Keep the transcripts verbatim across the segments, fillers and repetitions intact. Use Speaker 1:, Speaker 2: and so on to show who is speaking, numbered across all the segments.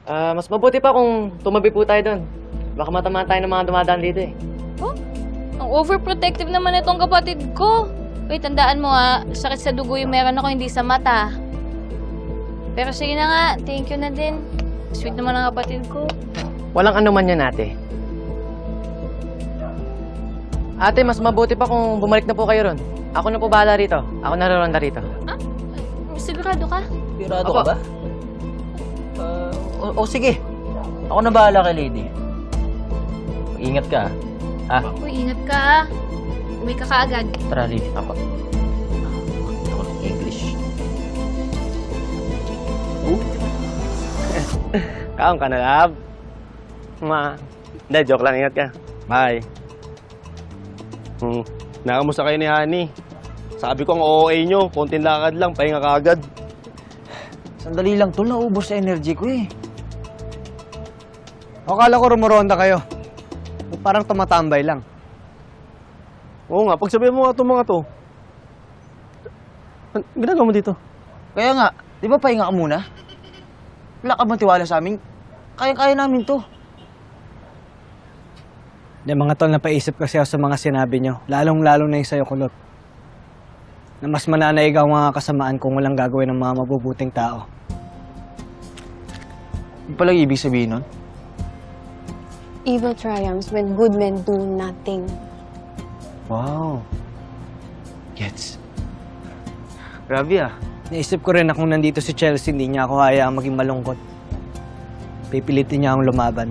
Speaker 1: Ah, mas mabuti pa kung tumabi po tayo doon. Baka matamaan tayo ng mga dumadaan dito eh.
Speaker 2: Oh, ang overprotective naman itong kapatid ko. Uy, tandaan mo ah, sakit sa dugo yung meron ako, hindi sa mata. Pero sige na nga, thank you na din. Sweet naman ang kapatid ko.
Speaker 1: Walang anuman yan, ate. Ate, mas mabuti pa kung bumalik na po kayo ron. Ako na po bahala rito. Ako naroronda rito.
Speaker 2: Ah? Sigurado ka?
Speaker 3: Sigurado
Speaker 1: Opo.
Speaker 3: ka ba? Uh, o, o sige. Ako na bahala kay lady. Ingat ka, ha? Ah,
Speaker 2: Uy, ingat ka ah. Uwi ka kaagad.
Speaker 3: tara, lady. Ako. Ako ng English.
Speaker 1: Kaon ka na, love. Ma. Hindi, joke lang. Ingat ka. Bye.
Speaker 4: Hmm. Nakamusta kayo ni Honey? Sabi ko ang O A nyo, konting lakad lang, pahinga ka agad.
Speaker 3: Sandali lang, tol. Naubos sa energy ko eh.
Speaker 5: Akala ko rumuronda kayo. Parang tumatambay lang.
Speaker 4: Oo nga, pagsabihin mo nga itong mga to. An ginagawa mo dito?
Speaker 3: Kaya nga, di ba pahinga ka muna? Wala ka bang tiwala sa amin? Kaya-kaya namin to.
Speaker 5: Hindi, mga tol, napaisip kasi ako sa mga sinabi nyo. Lalong-lalo na yung sa'yo, Kulot. Na mas mananaig ang mga kasamaan kung walang gagawin ng mga mabubuting tao.
Speaker 3: Ano palang ibig sabihin nun?
Speaker 6: Evil triumphs when good men do nothing.
Speaker 3: Wow. Gets. Grabe ah.
Speaker 5: Naisip ko rin na kung nandito si Chelsea, hindi niya ako hayaang maging malungkot. Pipilitin niya akong lumaban.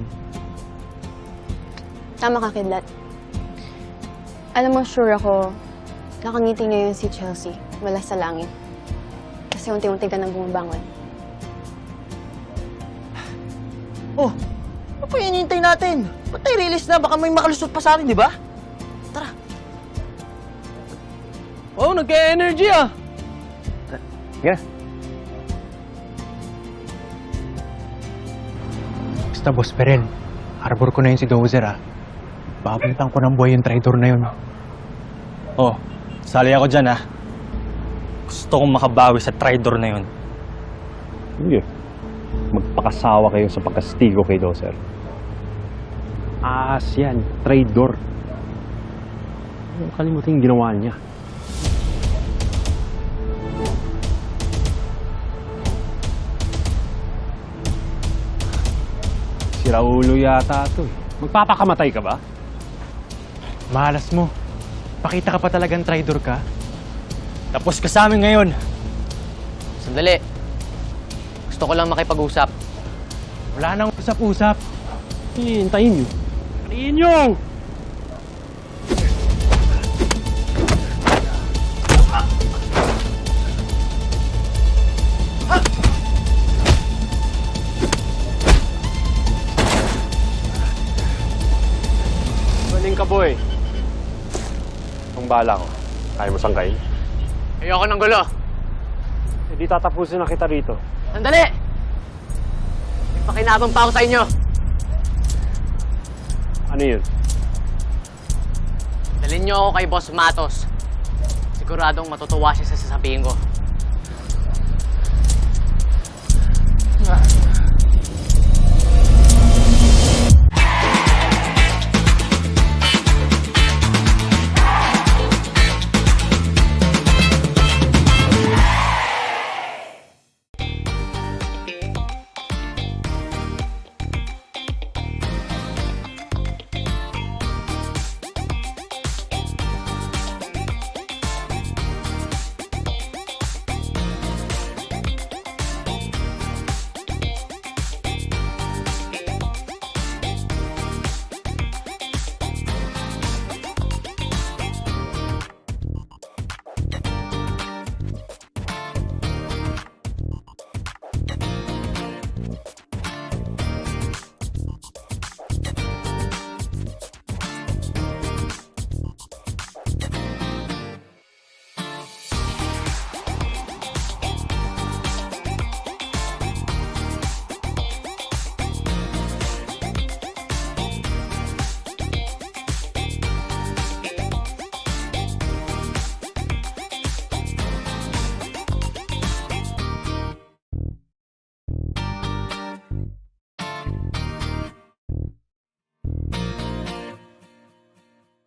Speaker 6: Tama ka, Kidlat. Alam mo, sure ako, nakangiti ngayon si Chelsea mula sa langit. Kasi unti-unti ka nang bumabangon.
Speaker 3: Oh, ano pa hinihintay natin? Ba't tayo release na? Baka may makalusot pa sa atin, di ba? Tara.
Speaker 4: Oh, nagka-energy ah!
Speaker 1: Yeah.
Speaker 7: Basta, Boss Perel, harbor ko na yun si Dozer, ah. Babalitan ko ng buhay yung traitor na yun.
Speaker 8: Oh, sali ako dyan ah. Gusto kong makabawi sa traitor na yun.
Speaker 4: Sige. Magpakasawa kayo sa pagkastigo kay Dozer. Aas yan, traidor. Huwag kalimutin yung ginawa niya. Si Raulo yata ito eh. Magpapakamatay ka ba?
Speaker 7: Malas mo. Pakita ka pa talagang traitor ka.
Speaker 8: Tapos ka sa amin ngayon.
Speaker 1: Sandali. Gusto ko lang makipag-usap.
Speaker 7: Wala nang usap-usap.
Speaker 4: Hihintayin niyo. Parihin niyo! Galing ka, boy. Ang bala ko. Kaya mo sangkay?
Speaker 1: Ayoko ng gulo.
Speaker 4: Hindi tatapusin na kita rito.
Speaker 1: Sandali! May pakinabang pa ako sa inyo.
Speaker 4: Ano yun?
Speaker 1: Dalhin niyo ako kay Boss Matos. Siguradong matutuwa siya sa sasabihin ko.